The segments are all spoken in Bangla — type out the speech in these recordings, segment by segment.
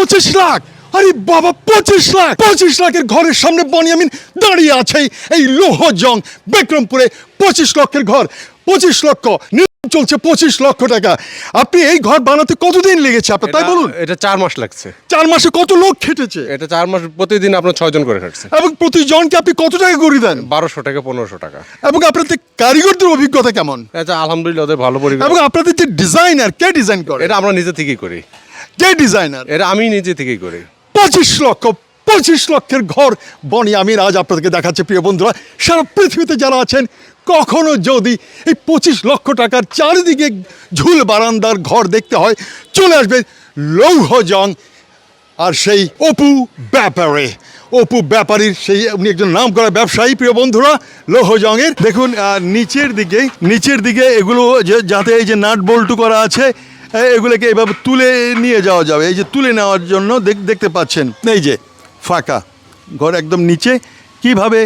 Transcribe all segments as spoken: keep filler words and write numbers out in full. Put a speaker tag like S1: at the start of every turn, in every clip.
S1: পঁচিশ লাখ, আরে বাবা পঁচিশ লাখ, পঁচিশ লাখের ঘরের সামনে বনিয়ামিন দাঁড়িয়ে আছে এই লৌহ জং বিক্রমপুরে। পঁচিশ লক্ষের ঘর, পঁচিশ লক্ষ চলছে, পঁচিশ লক্ষ টাকা। আপনি এই ঘর বানাতে কতদিন লেগেছে আপনার, তাই বলুন?
S2: এটা চার মাস লাগছে।
S1: চার মাসে কত লোক খেটেছে?
S2: এটা চার মাস প্রতিদিন আপনার ছয় জন করে খাটছে।
S1: এবং প্রতিজনকে আপনি কত টাকা করে দেন?
S2: বারোশো টাকা পনেরোশো টাকা।
S1: এবং আপনাদের কারিগরদের অভিজ্ঞতা কেমন?
S2: এটা আলহামদুলিল্লাহ ওদের ভালো পরিবেশ।
S1: এবং আপনাদের যে ডিজাইনার, কে ডিজাইন করে?
S2: এটা আমরা নিজে থেকেই করি।
S1: কে ডিজাইনার?
S2: এটা আমি নিজে থেকেই করি।
S1: পঁচিশ লক্ষ, পঁচিশ লক্ষের ঘর বনিয়ামিন আজ আপনাদেরকে দেখাচ্ছে। প্রিয় বন্ধুরা, সারা পৃথিবীতে যারা আছেন, কখনো যদি এই পঁচিশ লক্ষ টাকার চারিদিকে ঝুল বারান্দার ঘর দেখতে হয়, চলে আসবে লৌহ জং আর সেই অপু ব্যাপারে। অপু ব্যাপারীর সেই উনি একজন নাম করা ব্যবসায়ী। প্রিয় বন্ধুরা, লৌহ জংয়ের দেখুন আহ, নিচের দিকে নিচের দিকে এগুলো যে যাতে এই যে নাট বল্টু করা আছে, এগুলোকে এইভাবে তুলে নিয়ে যাওয়া যাবে। এই যে তুলে নেওয়ার জন্য দেখতে পাচ্ছেন, এই যে ফাঁকা ঘর একদম নিচে কীভাবে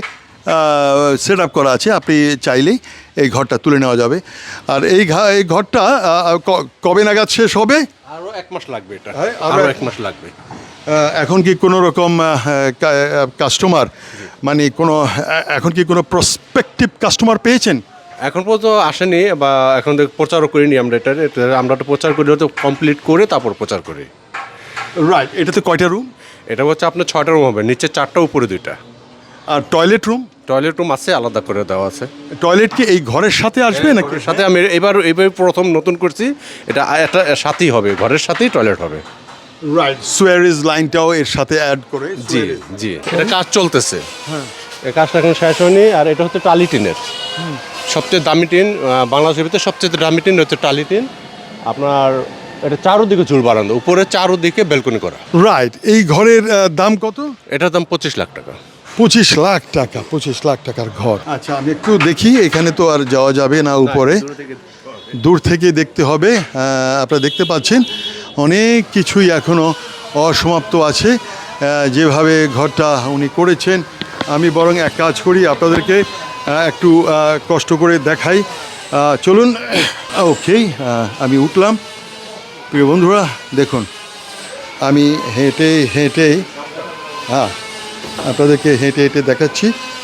S1: সেট আপ করা আছে, আপনি চাইলেই এই ঘরটা তুলে নেওয়া যাবে। আর এই এই ঘরটা কবে নাগাদ শেষ হবে?
S2: আরও এক মাস লাগবে। এটা
S1: হ্যাঁ,
S2: আরও এক মাস লাগবে।
S1: এখন কি কোনো রকম কাস্টমার, মানে কোনো এখন কি কোনো প্রসপেক্টিভ কাস্টমার পেয়েছেন?
S2: এখন পর্যন্ত আসেনি, বা এখন প্রচারও করিনি আমরা। এটা আমরা তো প্রচার করি, তো কমপ্লিট করে তারপর প্রচার করি।
S1: রাইট। এটাতে কয়টা রুম?
S2: এটা হচ্ছে আপনার ছয়টা রুম হবে, নিচে চারটা উপরে দুইটা।
S1: আর টয়লেট রুম?
S2: টয়লেট রুম আছে, আলাদা করে দেওয়া আছে।
S1: টয়লেট কি এই ঘরের সাথে আসবে নাকি?
S2: সাথে আমি এবার এবার প্রথম নতুন করছি, এটা একটা সাথেই হবে, ঘরের সাথেই টয়লেট হবে।
S1: রাইট। সুয়ারেজ লাইনটাও এর সাথে অ্যাড করে।
S2: জি জি, এটা কাজ চলতেছে। হ্যাঁ, এই কাজটা এখন শেষ হয়নি। আর এটা হচ্ছে টালি টিনের সবচেয়ে দামি টিন, বাংলাদেশের ভিতরে সবচেয়ে দামি টিন হচ্ছে টালি টিন। আপনার এটা চারোদিকে ঝুল বারান্দা, উপরে চারোদিকে বেলকনি করা।
S1: রাইট। এই ঘরের দাম কত?
S2: এটার দাম পঁচিশ লাখ টাকা।
S1: পঁচিশ লাখ টাকা, পঁচিশ লাখ টাকার ঘর। আচ্ছা, আমি একটু দেখি, এখানে তো আর যাওয়া যাবে না উপরে, দূর থেকে দেখতে হবে। আপনারা দেখতে পাচ্ছেন অনেক কিছুই এখনও অসমাপ্ত আছে। যেভাবে ঘরটা উনি করেছেন, আমি বরং এক কাজ করি, আপনাদেরকে একটু কষ্ট করে দেখাই। চলুন। ওকে, আমি উঠলাম। প্রিয় বন্ধুরা দেখুন, আমি হেঁটে হেঁটে হ্যাঁ আপনাদেরকে হেঁটে হেঁটে দেখাচ্ছি।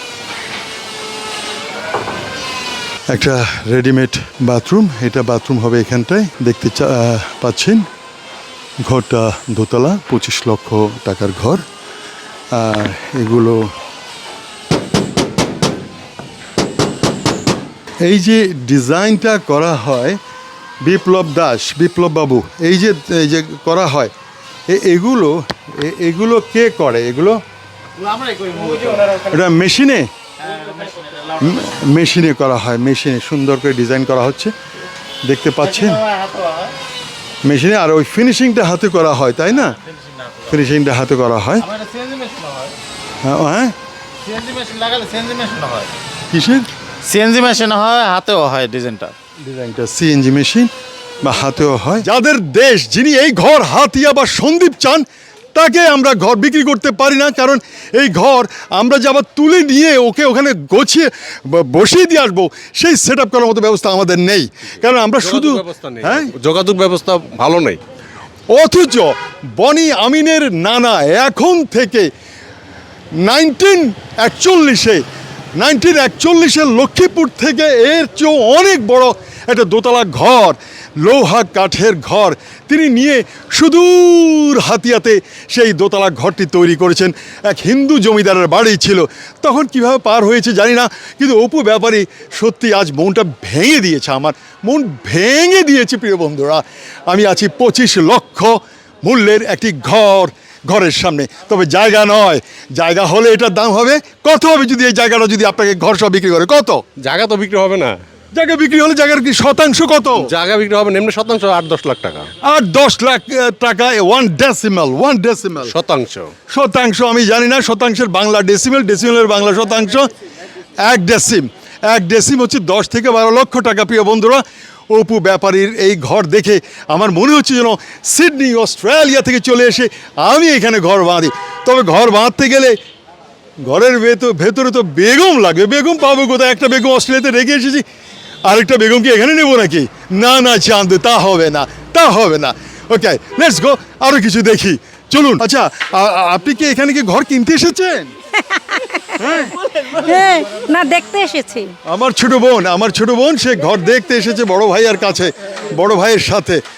S1: একটা রেডিমেড বাথরুম, এটা বাথরুম হবে এখানটায়, দেখতে পাচ্ছেন। ঘরটা দোতলা, পঁচিশ লক্ষ টাকার ঘর। আর এগুলো এই যে ডিজাইনটা করা হয় বিপ্লব দাস, বিপ্লব বাবু, এই যে এই যে করা হয়, এগুলো এগুলো কে করে? এগুলো এটা মেশিনে মেশিনে করা হয়, মেশিনে সুন্দর করে ডিজাইন করা হচ্ছে, দেখতে পাচ্ছেন মেশিনে। আর ওই ফিনিশিংটা হাতে করা হয়, তাই না? ফিনিশিংটা হাতে করা হয়। হ্যাঁ, কিসের?
S3: সিএনজি মেশিন হয়, হাতেও হয় ডিজাইনটা।
S1: ডিজাইনটা সিএনজি মেশিন বা হাতেও হয়। যাদের দেশ, যিনি এই ঘর হাতিয়া বা সন্দীপ চান, তাকে আমরা ঘর বিক্রি করতে পারি না, কারণ এই ঘর আমরা যে আবার তুলে নিয়ে ওকে ওখানে গোছিয়ে বসিয়ে দিয়ে আসবো, সেই সেট আপ করার মতো ব্যবস্থা আমাদের নেই। কারণ আমরা শুধু
S2: হ্যাঁ যোগাযোগ ব্যবস্থা ভালো নেই।
S1: অথচ বনি আমিনের নানা এখন থেকে নাইনটিন একচল্লিশে নাইনটিন একচল্লিশে লক্ষ্মীপুর থেকে এর চেয়েও অনেক বড় একটা দোতলা ঘর, লৌহা কাঠের ঘর তিনি নিয়ে সুদূর হাতিয়াতে সেই দোতলা ঘরটি তৈরি করেছেন। এক হিন্দু জমিদারের বাড়ি ছিল, তখন কিভাবে পার হয়েছে জানি না, কিন্তু অপু ব্যাপারী সত্যি আজ মনটা ভেঙে দিয়েছে, আমার মন ভেঙে দিয়েছে। প্রিয় বন্ধুরা, আমি আছি পঁচিশ লক্ষ মূল্যের একটি ঘর, ঘরের সামনে। তবে জায়গা নয়, জায়গা হলে এটার দাম হবে কত হবে যদি এই জায়গাটা যদি আপনাকে ঘর সব বিক্রি করে? কত?
S2: জায়গা তো বিক্রি হবে না।
S1: জায়গা বিক্রি হলে জায়গার কি শতাংশ কত?
S2: জায়গা বিক্রি হবে নিম্ন শতাংশ আট দশ লাখ টাকা।
S1: আট দশ লাখ টাকা ওয়ান ডেসিমাল, ওয়ান ডেসিমাল
S2: শতাংশ।
S1: শতাংশ আমি জানি না, শতাংশের বাংলা ডেসিমেল, ডেসিমেলের বাংলা শতাংশ। এক ডেসিম, এক ডেসিম হচ্ছে দশ থেকে বারো লক্ষ টাকা। প্রিয় বন্ধুরা, অপু ব্যাপারীর এই ঘর দেখে আমার মনে হচ্ছে যেন সিডনি অস্ট্রেলিয়া থেকে চলে এসে আমি এখানে ঘর বাঁধি। তবে ঘর বাঁধতে গেলে ঘরের ভেতর ভেতরে তো বেগম লাগে। বেগম পাবো কোথায়? একটা বেগম অস্ট্রেলিয়াতে রেখে এসেছি, আরেকটা বেগম কি এখানে নেবো নাকি? না না চাঁদ, তা হবে না, তা হবে না। ওকে, লেটস গো, আরও কিছু দেখি। চলুন আচ্ছা আ- আ- আপনি কি এখানে কি ঘর কিনতে এসেছেন?
S4: হ্যাঁ, না দেখতে এসেছি।
S1: আমার ছোট বোন আমার ছোট বোন সে ঘর দেখতে এসেছে বড় ভাইয়ের কাছে, বড় ভাইয়ের সাথে।